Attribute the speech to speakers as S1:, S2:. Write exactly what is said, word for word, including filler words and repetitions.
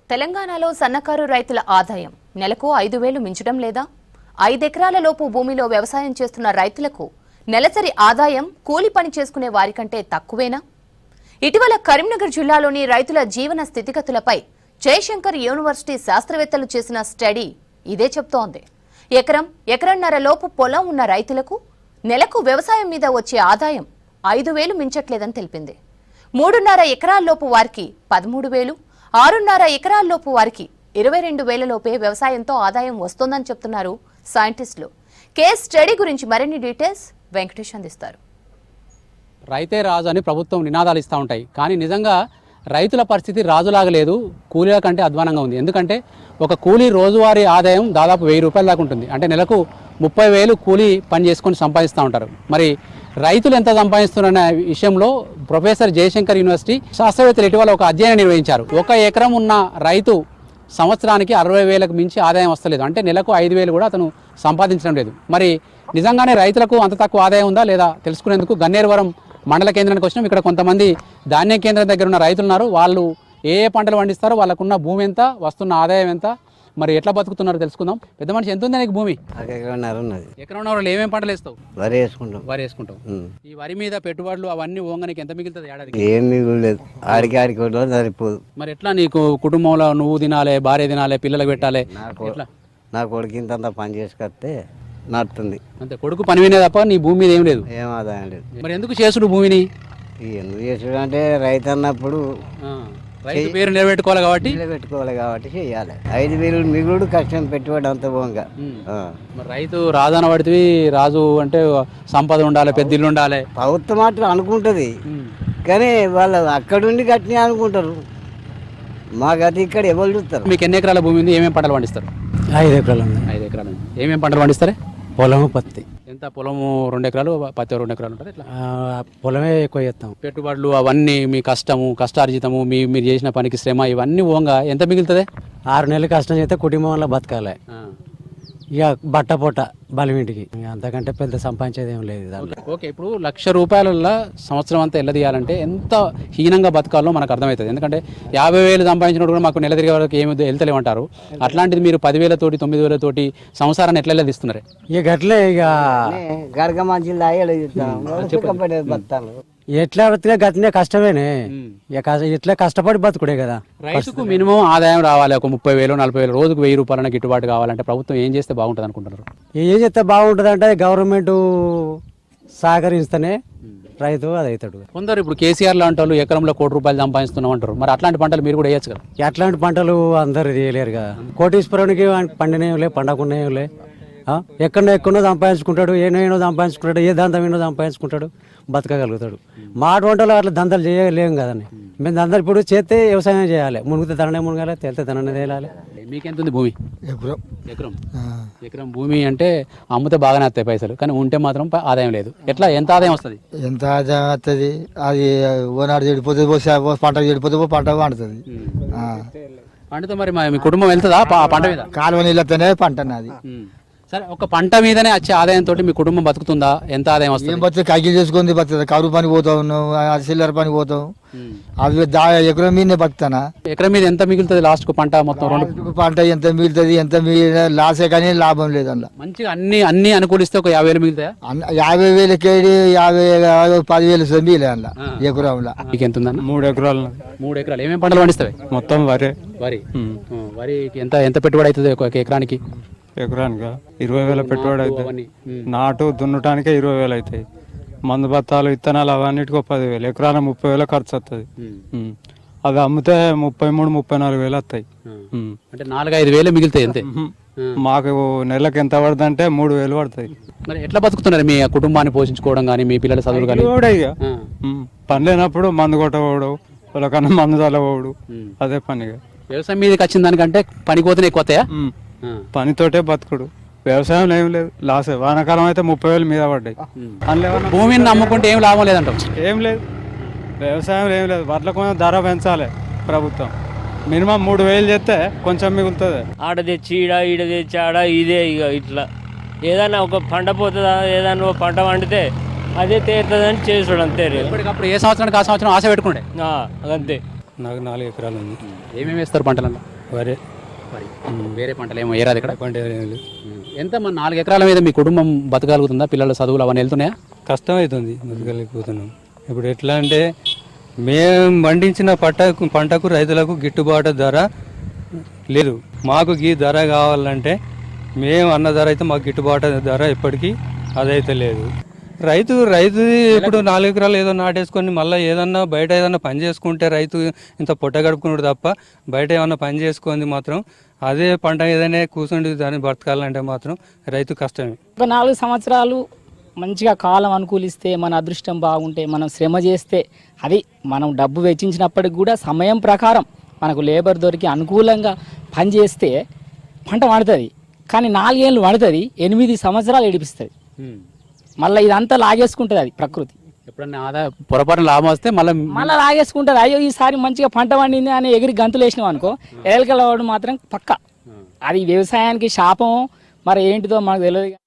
S1: తెలంగాణలో సన్నకారు రైతుల ఆదాయం నెలకు ఐదు వేలు మించడం లేదా? ఐదెకరాల లోపు భూమిలో వ్యవసాయం చేస్తున్న రైతులకు నెలసరి ఆదాయం కూలి పని చేసుకునే వారికంటే తక్కువేనా? ఇటీవల కరీంనగర్ జిల్లాలోని రైతుల జీవన స్థితిగతులపై జయశంకర్ యూనివర్సిటీ శాస్త్రవేత్తలు చేసిన స్టడీ ఇదే చెప్తోంది. ఎకరం ఎకరన్నర లోపు పొలం ఉన్న రైతులకు నెలకు వ్యవసాయం మీద వచ్చే ఆదాయం ఐదు వేలు మించట్లేదని తెలిపింది. మూడున్నర ఎకరాల్లోపు వారికి పదమూడు వేలు, ఆరున్నర ఎకరాల్లోపు వారికి ఇరవై రెండు వేల లోపే వ్యవసాయంతో ఆదాయం వస్తోందని చెప్తున్నారు సైంటిస్టులు. కేస్ స్టడీ గురించి మరిన్ని డీటెయిల్స్ వెంకటేష్ అందిస్తారు.
S2: రైతే రాజు అని ప్రభుత్వం నినాదాలు ఇస్తూ ఉంటాయి, కానీ నిజంగా రైతుల పరిస్థితి రాజులాగా లేదు, కూలీల కంటే అధ్వానంగా ఉంది. ఎందుకంటే ఒక కూలీ రోజువారీ ఆదాయం దాదాపు వెయ్యి రూపాయల దాకా ఉంటుంది. అంటే నెలకు ముప్పై వేలు కూలీ పని చేసుకొని సంపాదిస్తూ ఉంటారు. మరి రైతులు ఎంత సంపాదిస్తున్నారనే విషయంలో ప్రొఫెసర్ జయశంకర్ యూనివర్సిటీ శాస్త్రవేత్తలు ఇటీవల ఒక అధ్యయనం నిర్వహించారు. ఒక ఎకరం ఉన్న రైతు సంవత్సరానికి అరవై వేలకు మించి ఆదాయం వస్తలేదు. అంటే నెలకు ఐదు వేలు కూడా అతను సంపాదించడం లేదు. మరి నిజంగానే రైతులకు అంత తక్కువ ఆదాయం ఉందా లేదా తెలుసుకునేందుకు గన్నేరువరం మండల కేంద్రానికి వచ్చినాం. ఇక్కడ కొంతమంది ధాన్యం కేంద్రం దగ్గర ఉన్న రైతులు ఉన్నారు. వాళ్ళు ఏ ఏ పంటలు పండిస్తారో, వాళ్ళకున్న భూమి ఎంత, వస్తున్న ఆదాయం ఎంత, మరి ఎట్లా బతుకుతున్నారో తెలుసుకుందాం. పెద్ద మనిషి ఎంత ఉంది నీకు భూమి? ఎకరం ఏమేమి పంటలు వేస్తావు?
S3: వరి వేసుకుంటాం.
S2: వరి వేసుకుంటాం. ఈ వరి మీద పెట్టుబడులు అవన్నీ ఓంగనికి ఎంత మిగులుతుంది ఏడాదికి?
S3: ఏం మిగులేదు, ఆడికి ఆడికి సరిపోదు.
S2: మరి ఎట్లా నీకు కుటుంబంలో నువ్వు తినాలి, భార్య తినాలి, పిల్లలకు పెట్టాలి?
S3: ఎట్లా నా కొడుకు ఇంత పని చేసుకొస్తే నడుతుంది
S2: అంతే. కొడుకు పని వినే తప్ప నీ భూమి మీద ఏం లేదు,
S3: ఏం ఆదాయం లేదు.
S2: మరి ఎందుకు చేసుడు భూమిని?
S3: ఎందుకు చేసుడు అంటే రైతు అన్నప్పుడు
S2: రైతు పేరు నిలబెట్టుకోవాలి కాబట్టి
S3: నిలబెట్టుకోవాలి కాబట్టి చెయ్యాలి. ఐదు వేలు మిగుడు కష్టం పెట్టుబడి అంత పోగా.
S2: మరి రైతు రాజు అనబడితే రాజు అంటే సంపద ఉండాలి, పెద్ద ఇల్లు ఉండాలి.
S3: ప్రభుత్వం మాత్రం అనుకుంటుంది, కానీ వాళ్ళు అక్కడుండి కట్టిన అనుకుంటారు. మాకు అది ఇక్కడ ఎవరు చూస్తారు.
S2: మీకు ఎన్ని ఎకరాల భూమి ఉంది? ఏమేమి పంటలు పండిస్తారు?
S4: ఐదు ఎకరాలు ఉంది.
S2: ఐదు ఎకరాలు. ఏమేమి పంటలు పండిస్తారు?
S4: పొలము, పత్తి.
S2: ఎంత పొలము? రెండు ఎకరాలు, పత్తి రెండు ఎకరాలు ఉంటుంది. ఇట్లా
S4: పొలమే ఎక్కువ చేస్తాం.
S2: పెట్టుబడులు అవన్నీ మీ కష్టము, కష్టార్జితము, మీ మీరు చేసిన పనికి శ్రమ, ఇవన్నీ ఓంగా ఎంత మిగులుతుంది?
S4: ఆరు నెలలు కష్టం చేస్తే కుటుంబం వల్ల బతకాలి. ఇక బట్ట పొట్ట బలిమింటికి, అంతకంటే పెద్ద సంపాదించేది ఏం లేదు దాంట్లో.
S2: ఓకే, ఇప్పుడు లక్ష రూపాయల సంవత్సరం అంతా ఎల్లదీయాలంటే ఎంత హీనంగా బతకాలో మనకు అర్థమవుతుంది. ఎందుకంటే యాభై వేలు సంపాదించినప్పుడు కూడా మాకు నెల తిరిగే వరకు ఏమి వెళ్తలేమంటారు. అట్లాంటిది మీరు పదివేలతోటి తొమ్మిది వేలతోటి సంసారాన్ని ఎట్లా తీస్తున్నారు?
S4: ఇక గట్లే ఇక
S3: గరగమా జిల్లా బతాలు
S4: ఎట్లా బతికే గతనే కష్టమేనే. ఎట్లా కష్టపడి బతుకుడే కదా.
S2: రైతుకు మినిమం ఆదాయం రావాలి, ఒక ముప్పై వేలు నలభై వేలు రోజుకు వెయ్యి రూపాయల గిట్టుబాటు కావాలంటే ప్రభుత్వం ఏం చేస్తే బాగుంటుంది అనుకుంటున్నారు?
S4: ఏం చేస్తే బాగుంటుంది అంటే గవర్నమెంట్ సహకరిస్తేనే రైతు అది అవుతాడు.
S2: కొందరు ఇప్పుడు కేసీఆర్ లాంటి వాళ్ళు ఎకరంలో కోటి రూపాయలు సంపాదిస్తున్నాం అంటారు. మరి అట్లాంటి పంటలు మీరు కూడా వేయచ్చు కదా.
S4: అట్లాంటి పంటలు అందరు చేయలేరు కదా. కోటీశ్వరునికి పండినేవులే, పండకునేవులే. ఎక్కడో ఎక్కడో సంపాదించుకుంటాడు, ఏనో సంపాదించుకుంటాడు, ఏ దంతం ఏనో సంపాదించుకుంటాడు, బతకగలుగుతాడు. మా వంటలు అట్లా దంతలు చేయలేము కదండి. మేము దంతలు ఇప్పుడు చేస్తే వ్యవసాయం చేయాలి. మునిగితే తననే మునగాలి, తేలితే తననే తేలాలి.
S2: మీకెంత ఉంది భూమి?
S4: ఎకరం.
S2: ఎకరం ఎకరం భూమి అంటే అమ్మితే బాగానే వస్తాయి పైసలు, కానీ ఉంటే మాత్రం ఆదాయం లేదు. ఎట్లా, ఎంత ఆదాయం వస్తుంది?
S5: ఎంత ఆదాయం వస్తుంది? అది ఓనాడు చెడిపోతే పంట చెడిపోతే పంట పండుతుంది.
S2: పండితే మరి మీ కుటుంబం వెళ్తుందా పంట మీద?
S5: కాలువ నీళ్ళతోనే పంట నాది.
S2: సరే, ఒక పంట మీదనే వచ్చే ఆదాయంతో మీ కుటుంబం బతుకుతుందా? ఎంత ఆదాయం వస్తుంది?
S5: ఏం బతుకు కైకి చేసుకుంది బతుకుతుంది. కరువు పని పోతావు, నువ్వు సిల్లర్ పని పోతావు. అవి దా ఎకరం మీదనే బతుకుతానా?
S2: ఎకరం మీద ఎంత మిగులుతుంది లాస్ట్ కు పంట మొత్తం? రెండు
S5: పంట ఎంత మిగులుతుంది? ఎంత లాసే కానీ లాభం లేదు అందులో.
S2: మంచిగా అన్ని అన్ని అనుకూలిస్తే ఒక యాభై వేలు మిగులుతాయా?
S5: యాభై వేలకేడి యాభై పదివేలు మిగిలే అందులో ఎకరంలో.
S2: మీకు ఎంత ఉందన్న?
S4: మూడు ఎకరాలు.
S2: మూడు ఎకరాలు. ఏమేమి పంటలు పండిస్తాయి?
S4: మొత్తం వరి.
S2: వరి వరికి ఎంత ఎంత పెట్టుబడి అవుతుంది ఒక ఎకరానికి?
S6: ఎకరానికి ఇరవై వేల పెట్టుబడి అవుతుంది. నాటు దున్నటానికే ఇరవై వేలు అవుతాయి. మందు బత్తాలు, విత్తనాలు అవన్నిటికీ ఒక పదివేలు. ఎకరాన ముప్పై వేల ఖర్చు వస్తుంది. అవి అమ్మితే ముప్పై మూడు ముప్పై నాలుగు వేలు వస్తాయి.
S2: అంటే నాలుగు ఐదు వేలు మిగులుతాయి అంతే.
S6: మాకు నెలకు ఎంత పడుతుంది అంటే మూడు వేలు పడుతుంది.
S2: మరి ఎట్లా బతుకుతున్నారు మీ కుటుంబాన్ని పోషించుకోవడం కానీ, మీ పిల్లల చదువులు కానీ?
S6: కూడా ఇక పని లేనప్పుడు మందు కొట్టబోడు, వాళ్ళకన్నా మందు చల్లబోడు, అదే పనిగా.
S2: వ్యవసాయం మీదకి వచ్చిన దానికంటే పని పోతేనే ఎక్కువ వస్తాయా?
S6: పనితోటే బతుకుడు. వ్యవసాయం ఏం లేదు, లాసే. వానాకాలం అయితే ముప్పై వేలు మీద పడ్డాయి.
S2: భూమిని నమ్ముకుంటే ఏం లాభం లేదంటాం?
S6: ఏం లేదు, వ్యవసాయం ఏం లేదు. వడ్ల కొంచెం ధర పెంచాలి ప్రభుత్వం. మినిమం మూడు వేలు చేస్తే కొంచెం మిగులుతుంది.
S7: ఆడ తెచ్చి ఈడ ఈడ తెచ్చి ఆడ ఇదే ఇక ఇట్లా ఏదైనా ఒక పంట పోతుందా, ఏదైనా ఒక పంట వండితే అదే తీరుతుందని చేసుడు అంతే.
S2: ఇప్పటికప్పుడు ఏ సంవత్సరానికి ఆ సంవత్సరం ఆశ పెట్టుకుంటే
S7: అంతే.
S6: నాకు నాలుగు ఎకరాలు ఉంది.
S2: ఏమేమి వేస్తారు పంటలలో?
S6: వరే
S2: మరి వేరే పంటలు ఏమో ఏరాది ఇక్కడ
S6: పంట
S2: ఎంత మన నాలుగు ఎకరాల మీద మీ కుటుంబం బతకగలుగుతుందా? పిల్లల చదువులు అవన్నీ వెళ్తున్నాయా?
S6: కష్టమవుతుంది బతకలేకపోతున్నాం. ఇప్పుడు ఎట్లా అంటే మేము పండించిన పంట పంటకు రైతులకు గిట్టుబాటు ధర లేదు. మాకు ఈ ధర కావాలంటే మేము అన్న ధర అయితే మాకు గిట్టుబాటు ధర ఎప్పటికీ అదైతే లేదు. రైతు రైతు ఇప్పుడు నాలుగు ఎకరాలు ఏదో నాటేసుకొని మళ్ళీ ఏదన్నా బయట ఏదన్నా పని చేసుకుంటే రైతు ఇంత పొట్ట గడుపుకున్నాడు తప్ప బయట ఏమన్నా పని చేసుకుంది మాత్రం అదే పంట ఏదైనా కూర్చుండి దాన్ని బతకాలంటే మాత్రం రైతు కష్టమే.
S8: ఒక నాలుగు సంవత్సరాలు మంచిగా కాలం అనుకూలిస్తే, మన అదృష్టం బాగుంటే, మనం శ్రమ చేస్తే, అది మనం డబ్బు వెచ్చించినప్పటికి కూడా సమయం ప్రకారం మనకు లేబర్ దొరికి అనుకూలంగా పని చేస్తే పంట పండుతుంది. కానీ నాలుగేళ్ళు పడుతుంది, ఎనిమిది సంవత్సరాలు ఏడిపిస్తుంది. మళ్ళీ ఇదంతా లాగేసుకుంటుంది అది ప్రకృతి.
S2: ఎప్పుడన్నా ఆదా పొరపాటున లాభం వస్తే మళ్ళీ
S8: మళ్ళీ లాగేసుకుంటుంది. అయ్యో ఈసారి మంచిగా పంట పండింది అని ఎగిరి గంతులు వేసినాం అనుకో, ఎలకలవాడు మాత్రం పక్క. అది వ్యవసాయానికి శాపం మరి ఏంటిదో మనకు తెలియదు.